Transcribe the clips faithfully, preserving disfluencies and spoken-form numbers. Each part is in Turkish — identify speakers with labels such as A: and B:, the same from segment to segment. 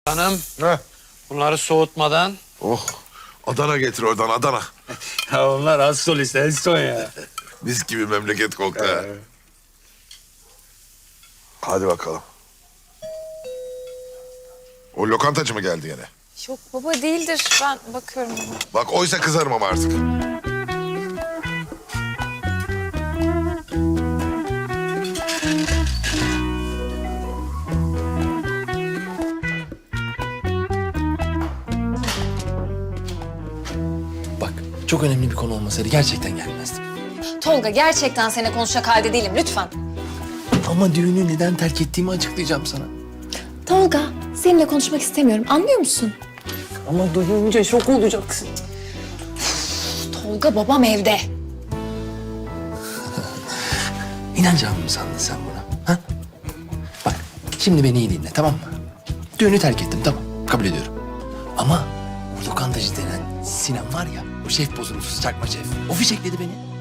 A: Hanım,
B: Heh.
A: bunları soğutmadan.
B: Oh. Adana getir oradan Adana.
A: Ya onlar az solist, en son ya.
B: Mis gibi memleket koktu ha. Hadi bakalım. O lokantacı mı geldi gene?
C: Yok baba değildir. Ben bakıyorum baba.
B: Bak oysa kızarım ama artık.
D: Bak, çok önemli bir konu olmasaydı gerçekten gelmezdim.
C: Tolga gerçekten seninle konuşacak halde değilim lütfen.
D: Ama düğünü neden terk ettiğimi açıklayacağım sana.
C: Tolga seninle konuşmak istemiyorum anlıyor musun?
D: Ama duyunca şok olacaksın.
C: Tolga babam evde.
D: İnanacağımı mı sandın sen buna? Ha? Bak, şimdi beni iyi dinle, tamam mı? Düğünü terk ettim, tamam. Kabul ediyorum. Ama o lokantacı denen Sinan var ya, o şef bozuntusu, çakma şef. O fişekledi beni.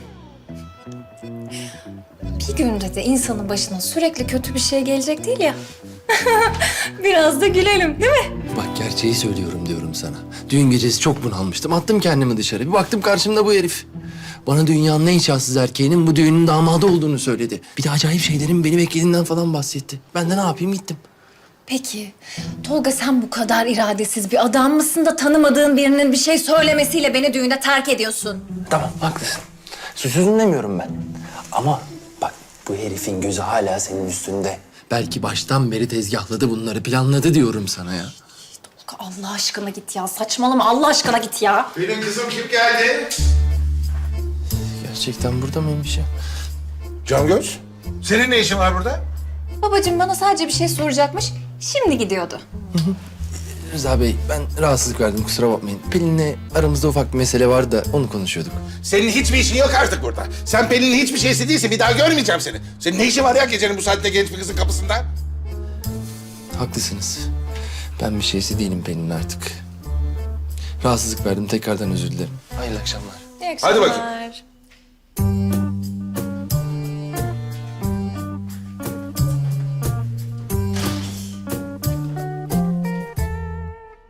C: Bir günde de insanın başına sürekli kötü bir şey gelecek değil ya. Biraz da gülelim değil mi?
D: Bak, gerçeği söylüyorum diyorum sana. Düğün gecesi çok bunalmıştım. Attım kendimi dışarı. Bir baktım karşımda bu herif. Bana dünyanın en şanssız erkeğinin bu düğünün damadı olduğunu söyledi. Bir de acayip şeylerin beni beklediğinden falan bahsetti. Ben de ne yapayım, gittim.
C: Peki Tolga sen bu kadar iradesiz bir adam mısın da tanımadığın birinin bir şey söylemesiyle beni düğünde terk ediyorsun?
D: Tamam, haklısın. Suçsuzum demiyorum ben. Ama bak, bu herifin gözü hala senin üstünde. Belki baştan beri tezgahladı bunları, planladı diyorum sana ya.
C: Tolga Allah aşkına git ya saçmalama Allah aşkına git ya.
B: Benim kızım kim geldi?
D: Gerçekten burada mıymış ya?
B: Cangöz. Senin ne işin var burada?
C: Babacığım bana sadece bir şey soracakmış. Şimdi gidiyordu.
D: Rıza Bey, ben rahatsızlık verdim, kusura bakmayın. Pelin'le aramızda ufak bir mesele vardı da onu konuşuyorduk.
E: Senin hiçbir işin yok artık burada. Sen Pelin'in hiçbir şeysi değilse bir daha görmeyeceğim seni. Senin ne işin var ya gecenin bu saatte genç bir kızın kapısında?
D: Haklısınız. Ben bir şeysi değilim Pelin'in artık. Rahatsızlık verdim, tekrardan özür dilerim. Hayırlı akşamlar.
C: İyi
E: Hadi bakayım.
C: akşamlar.